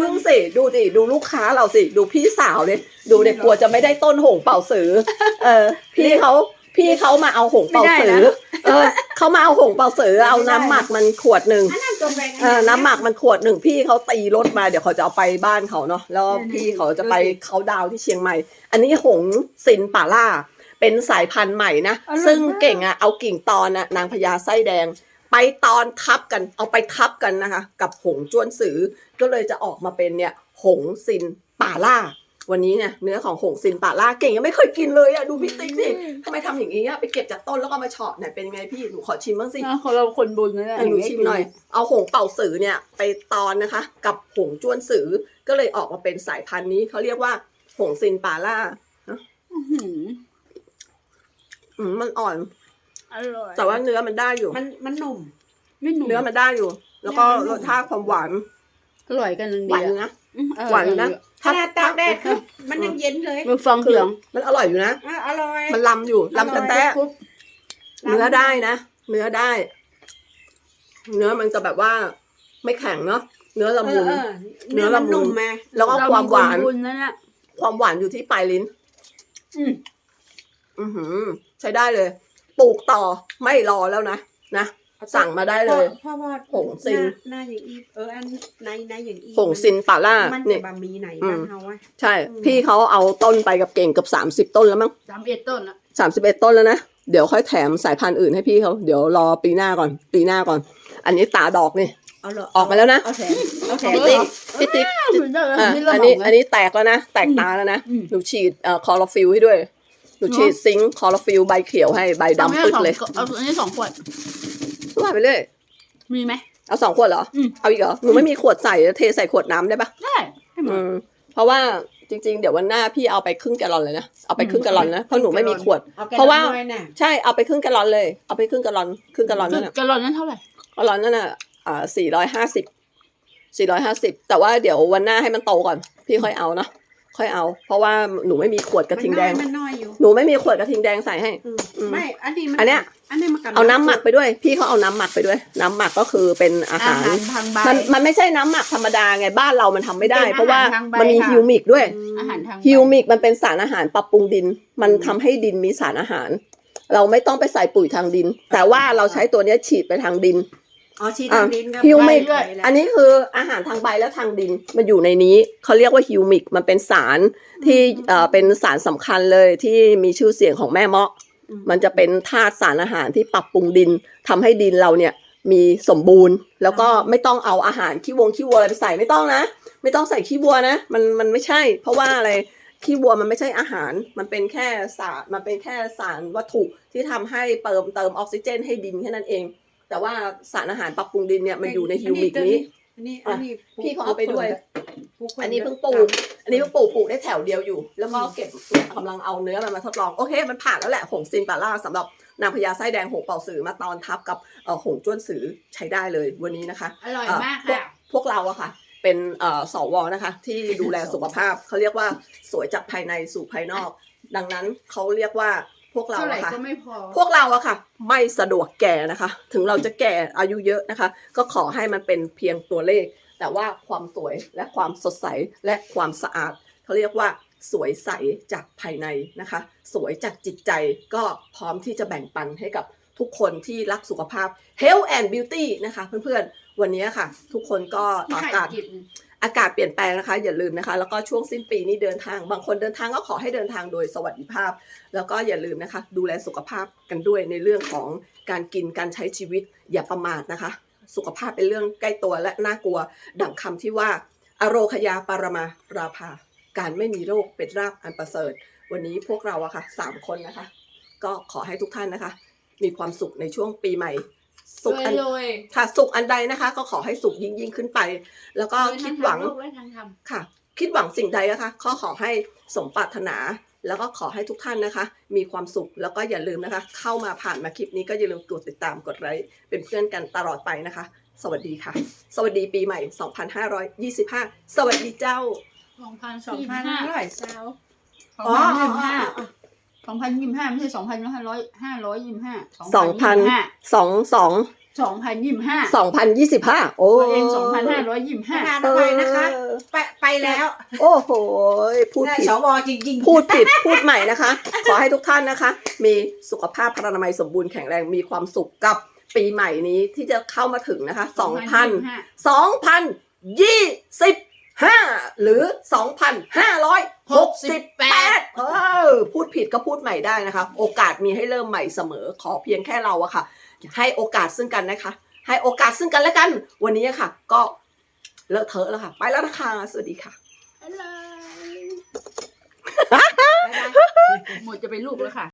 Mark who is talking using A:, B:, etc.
A: พึ่งสิดูดิดูลูกค้าเราสิดูพี่สาวเลยดูเด็กกลัวจะไม่ได้ต้นหงเป่าสือพี่เขามาเอาหงเป่าสือเขามาเอาหงเป่าสือเอาน้ำหมักมันขวดหนึ่งน้ำหมักมันขวดหนึ่งพี่เขาตีรถมาเดี๋ยวเขาจะเอาไปบ้านเขาเนาะแล้วพี่เขาจะไปเขาดาวที่เชียงใหม่อันนี้หงซินป่าล่าเป็นสายพันธุ์ใหม่นะซึ่งเก่งเอากิ่งตอนนางพญาไส้แดงไปตอนทับกันเอาไปทับกันนะคะกับหงจ้วนสือก็เลยจะออกมาเป็นเนี่ยหงซินป่าล่าวันนี้เนี่ยเนื้อของหงซินป่าล่าเก่งยังไม่เคยกินเลยดูพี่ติ๊กดิทำไมทำอย่างนี้ไปเก็บจากต้นแล้วก็มาเฉาะเนี่ยเป็นยังไงพี่หนูขอชิมบ้างสิ
B: ของเราคนบุญนะ
A: หนูชิมหน่อยเอาหงเป่าสือเนี่ยไปตอนนะคะกับหงจ้วนสือก็เลยออกมาเป็นสายพันธุ์นี้เขาเรียกว่าหงซินป่าล่ามันอ่อนแต่ว่าเนื้อมันได้อยู่
C: มันหนุ่ม
A: เนื้อมันได้อยู่แล้วก็รสชาติความหวาน
B: อร่อยกัน
A: หวานนะหวานนะ
C: ถ้าตากแดดคือมันยังเย็นเลย
B: มือฟังเสียง
A: มันอร่อยอยู่นะ
C: อร่อย
A: มันลำอยู่ลำแต่เนื้อได้นะเนื้อได้เนื้อมันจะแบบว่าไม่แข็งเนาะเนื้อละมุน
C: เนื้อละมุนมา
A: แล้วก็ความหวานความหวานอยู่ที่ปลายลิ้นใช้ได้เลยปลูกต่อไม่รอแล้วนะสั่งมาได้เลย
C: เพราะว่า
A: หงซิน
C: หน้าอย่างอีอันในอย่างอี
A: หงซินป่าล่า
C: เนี่ยบะหมี่ไหนบ้านเฮา
A: ใช่พี่เขาเอาต้นไปกับเก่งกับ30 ต้นแล้วมั้ง
B: 31 ต้นละ
A: 31 ต้นแล้วนะเดี๋ยวค่อยแถมสายพันธุ์อื่นให้พี่เขาเดี๋ยวรอปีหน้าก่อนอันนี้ตาดอกนี่ออกมาแล้วนะพี่ติ๊กอันนี้แตกแล้วนะแตกตาแล้วนะหนูฉีดคอร์ฟิลให้ด้วยหนูฉีดซิงค์คอร์ฟิลใบเขียวให้ใบดำปึ๊กเลย
B: เอาอันนี้2 ขวด
A: ว่าไปเรื่อย
B: มีไหม
A: เอา2 ขวดเหรอเอาอีกเหรอหนูไม่มีขวดใส่เทใส่ขวดน้ำได้ปะ
B: ได้
A: เพราะว่าจริงๆเดี๋ยววันหน้าพี่เอาไปครึ่งแกลลอนเลยนะเอาไปครึ่งแกลลอนนะเพราะหนูไม่มีขวดเพราะว่าใช่เอาไปครึ่งแกลลอนเลยเอาไปครึ่งแกลลอนนั่น
B: แกลลอนนั้นเท่าไหร่
A: แกลลอนนั่นน่ะ450แต่ว่าเดี๋ยววันหน้าให้มันโตก่อนพี่ค่อยเอาเนาะค่อยเอาเพราะว่าหนูไม่มีขวดกระทิงแดงหนูไม่มีขวดกระทิงแดงใส่ให้
C: ไม่
A: อันเนี้ยเอาน้ำหมักไปด้วยพี่เขาเอาน้ำหมักไปด้วยน้ำหมักก็คือเป็นอาหารมันไม่ใช่น้ำหมักธรรมดาไงบ้านเรามันทำไม่ได้เพราะว่ามันมีฮิวมิกด้วยฮิวมิกมันเป็นสารอาหารปรับปรุงดินมันทำให้ดินมีสารอาหารเราไม่ต้องไปใส่ปุ๋ยทางดินแต่ว่าเราใช้ตัวนี้ฉีดไปทางดิน
C: ฉีดทางดิน
A: ฮิวมิกอันนี้คืออาหารทางใบและทางดินมันอยู่ในนี้เขาเรียกว่าฮิวมิกมันเป็นสารที่เป็นสารสำคัญเลยที่มีชื่อเสียงของแม่เมาะมันจะเป็นธาตุสารอาหารที่ปรับปรุงดินทำให้ดินเราเนี่ยมีสมบูรณ์แล้วก็ไม่ต้องเอาอาหารขี้วัวอะไรไปใส่ไม่ต้องนะไม่ต้องใส่ขี้วัวนะมันไม่ใช่เพราะว่าอะไรขี้วัวมันไม่ใช่อาหารมันเป็นแค่สารวัตถุที่ทำให้เติมออกซิเจนให้ดินแค่นั้นเองแต่ว่าสารอาหารปรับปรุงดินเนี่ยมันอยู่ในฮิวมิกนี้พี่เขาเอาไปด้วยอันนี้เพิ่งปลูกได้แถวเดียวอยู่แล้วก็เก็บกำลังเอาเนื้อมันมาทดลองโอเคมันผ่านแล้วแหละหงซินป่าล่าสำหรับนางพญาไส้แดงหงเป่าสือมาตอนทับกับหงจ้วนสือใช้ได้เลยวันนี้นะคะ
B: อร่อยมากค่ะ
A: พวกเราอะค่ะเป็นสวนะคะที่ดูแลสุขภาพเขาเรียกว่าสวยจากภายในสู่ภายนอกดังนั้นเขาเรียกว่าพวกเราอะค่ะพวกเราอะค่ะไม่สะดวกแก่นะคะถึงเราจะแก่อายุเยอะนะคะก็ขอให้มันเป็นเพียงตัวเลขแต่ว่าความสวยและความสดใสและความสะอาดเขาเรียกว่าสวยใสจากภายในนะคะสวยจากจิตใจก็พร้อมที่จะแบ่งปันให้กับทุกคนที่รักสุขภาพ Health and Beauty นะคะเพื่อนๆวันนี้ค่ะทุกคนก็อากาศเปลี่ยนแปลงนะคะอย่าลืมนะคะแล้วก็ช่วงสิ้นปีนี้เดินทางบางคนเดินทางก็ขอให้เดินทางโดยสวัสดิภาพแล้วก็อย่าลืมนะคะดูแลสุขภาพกันด้วยในเรื่องของการกินการใช้ชีวิตอย่าประมาทนะคะสุขภาพเป็นเรื่องใกล้ตัวและน่ากลัวดังคำที่ว่าอโรคยาปารมาราภาการไม่มีโรคเป็นราภอันประเสริฐวันนี้พวกเราอะค่ะ3 คนนะคะก็ขอให้ทุกท่านนะคะมีความสุขในช่วงปีใหม่สุขอันใดนะคะก็ขอให้สุขยิ่งขึ้นไปแล้วก็คิดหวังค่ะคิดหวังสิ่งใดนะคะขอให้สมปรารถนาแล้วก็ขอให้ทุกท่านนะคะมีความสุขแล้วก็อย่าลืมนะคะเข้ามาผ่านมาคลิปนี้ก็อย่าลืมกดติดตามกดไลค์เป็นเพื่อนกันตลอดไปนะคะสวัสดีค่ะสวัสดีปีใหม่2525สวัสดีเจ้า
B: 2525เจ้า2025ไม่ใช่2,525 2022 2025
A: 2025 โอ้
B: ตัวเอง
C: ประ
B: 2525
C: ธานอภัยนะคะ ไปแล้ว
A: โอ้โหพูดผิด
C: สวจริงๆ
A: พูดผิดพูดใหม่นะคะ ขอให้ทุกท่านนะคะ มีสุขภาพพรรณนามัยสมบูรณ์แข็งแรงมีความสุขกับปีใหม่นี้ที่จะเข้ามาถึงนะคะ 2025 หรือ 2568พูดผิดก็พูดใหม่ได้นะคะ โอกาสมีให้เริ่มใหม่เสมอ ขอเพียงแค่เราอะค่ะ ให้โอกาสซึ่งกันนะคะ ให้โอกาสซึ่งกันและกัน วันนี้อะค่ะ ก็เลอะเทอะแล้วค่ะ ไปแล้วนะคะ สวัสดีค่ะ
B: หมดจะเป็นลูกแล้วค่ะ